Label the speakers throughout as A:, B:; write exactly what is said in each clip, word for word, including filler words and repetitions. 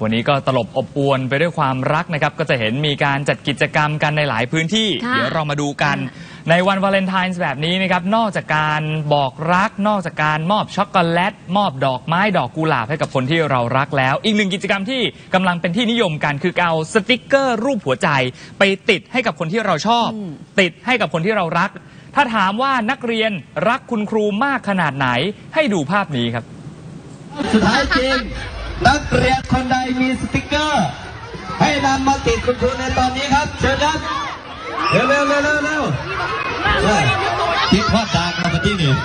A: วันนี้ก็ตลบอบอวลไปด้วยความรักนะครับก็จะเห็นมีการจัดกิจกรรมกันในหลายพื้นที่เดี๋ยวเรามาดูกันในวันวาเลนไทน์แบบนี้นะครับนอกจากการบอกรักนอกจากการมอบช็อกโกแลตมอบดอกไม้ดอกกุหลาบให้กับคนที่เรารักแล้วอีกหนึ่งกิจกรรมที่กำลังเป็นที่นิยมกันคือเอาสติกเกอร์รูปหัวใจไปติดให้กับคนที่เราชอบติดให้กับคนที่เรารักถ้าถามว่านักเรียนรักคุณครูมากขนาดไหนให้ดูภาพนี้ครับ
B: สุดท้ายจริงนักเรียนคนใดมีสติกเกอร์ให้นำมาติดคุณครูในตอนนี้ครับเชิญครับเร็วเร็วเร็วเร็วเร็วติดว่าดังมาที่นี่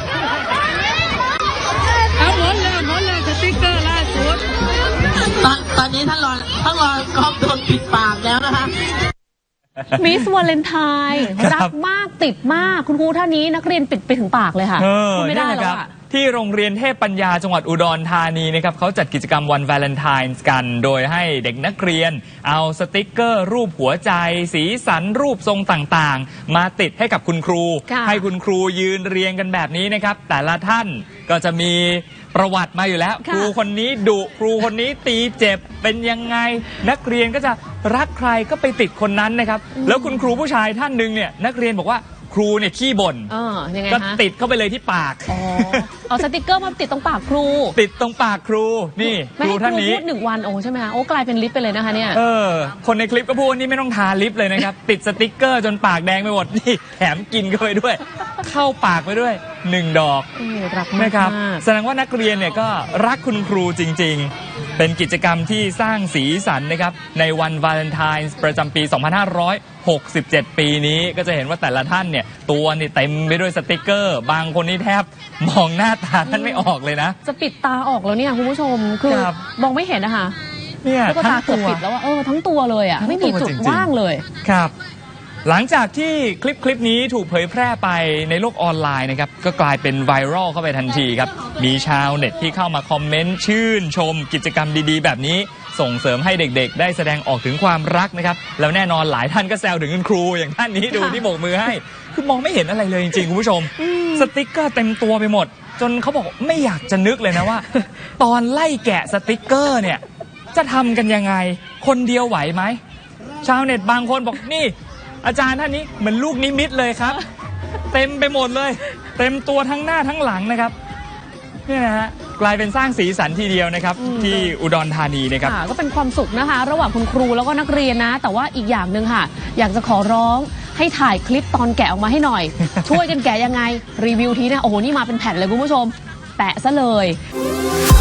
C: เอาหมดเลยหมดเลยสติกเกอร์ล่าสุด
D: ตอนตอนนี้ท่านรอท่านรอกอบโดนปิดปากแล้วนะคะ
E: มิสวาเลนไทน์รักมากติดมากคุณครูท่านนี้นักเรียนปิดไปถึงปากเลยค่ะ
A: พูดไม่ได้แล้วที่โรงเรียนเทพปัญญาจังหวัดอุดรธานีนะครับเขาจัดกิจกรรมวันวาเลนไทน์กันโดยให้เด็กนักเรียนเอาสติกเกอร์รูปหัวใจสีสันรูปทรงต่างๆมาติดให้กับคุณครูให้คุณครูยืนเรียงกันแบบนี้นะครับแต่ละท่านก็จะมีประวัติมาอยู่แล้วครูคนนี้ดุครูคนนี้ตีเจ็บเป็นยังไงนักเรียนก็จะรักใครก็ไปติดคนนั้นนะครับแล้วคุณครูผู้ชายท่านหนึ่งเนี่ยนักเรียนบอกว่าครูเนี่ยขี้บ่นก็ติดเข้าไปเลยที่ปาก
E: เอาสติกเกอร์มาติดตรงปากครู
A: ติดตรงปากครูนี่ครูท่านนี้
E: พูดหนึ่งวันโอ้ใช่ไหมคะโอ้กลายเป็นลิปไปเลยนะคะเนี่ย
A: เออคนในคลิปก็พูดนี่ไม่ต้องทาลิปเลยนะครับติดสติกเกอร์จนปากแดงไปหมดนี่แถมกินเข้าไปด้วยเข้าปากไปด้วยหนึ่งดอกนะครับแสดงว่านักเรียนเนี่ยก็รักคุณครูจริงๆเป็นกิจกรรมที่สร้างสีสันนะครับในวันวาเลนไทน์ประจำปีสองพันห้าร้อยหกสิบเจ็ดปีนี้ก็จะเห็นว่าแต่ละท่านเนี่ยตัวนี่เต็มไปด้วยสติกเกอร์บางคนนี่แทบมองหน้าตาท่านไม่ออกเลยนะ
E: จะปิดตาออกแล้วเนี่ยคุณผู้ชมคือมองไม่เห็นนะคะ
A: เนี่ย
E: ทั้งตัวปิดแล้วว่าเออทั้งตัวเลยอ่ะไม่มีจุดว่างเลย
A: ครับหลังจากที่คลิปคลิปนี้ถูกเผยแพร่ไปในโลกออนไลน์นะครับก็กลายเป็นไวรัลเข้าไปทันทีครับมีชาวเน็ตที่เข้ามาคอมเมนต์ชื่นชมกิจกรรมดีๆแบบนี้ส่งเสริมให้เด็กๆได้แสดงออกถึงความรักนะครับแล้วแน่นอนหลายท่านก็แซวถึงคุณครูอย่างท่านนี้ดูที่โบกมือให้คือมองไม่เห็นอะไรเลยจริงๆคุณผู้ชมสติ๊กเกอร์เต็มตัวไปหมดจนเขาบอกไม่อยากจะนึกเลยนะว่าตอนไล่แกะสติ๊กเกอร์เนี่ยจะทำกันยังไงคนเดียวไหวไหมชาวเน็ตบางคนบอกนี่อาจารย์ท่านนี้เหมือนลูกนิมิตเลยครับเต็มไปหมดเลยเต็มตัวทั้งหน้าทั้งหลังนะครับนี่นะฮะกลายเป็นสร้างสีสันทีเดียวนะครับที่อุดรธานีนะครับ
E: ก็เป็นความสุขนะคะระหว่างคุณครูแล้วก็นักเรียนนะแต่ว่าอีกอย่างหนึ่งค่ะอยากจะขอร้องให้ถ่ายคลิปตอนแกะออกมาให้หน่อยช่วยกันแกะยังไงรีวิวทีนะโอ้โหนี่มาเป็นแผ่นเลยคุณผู้ชมแปะซะเลย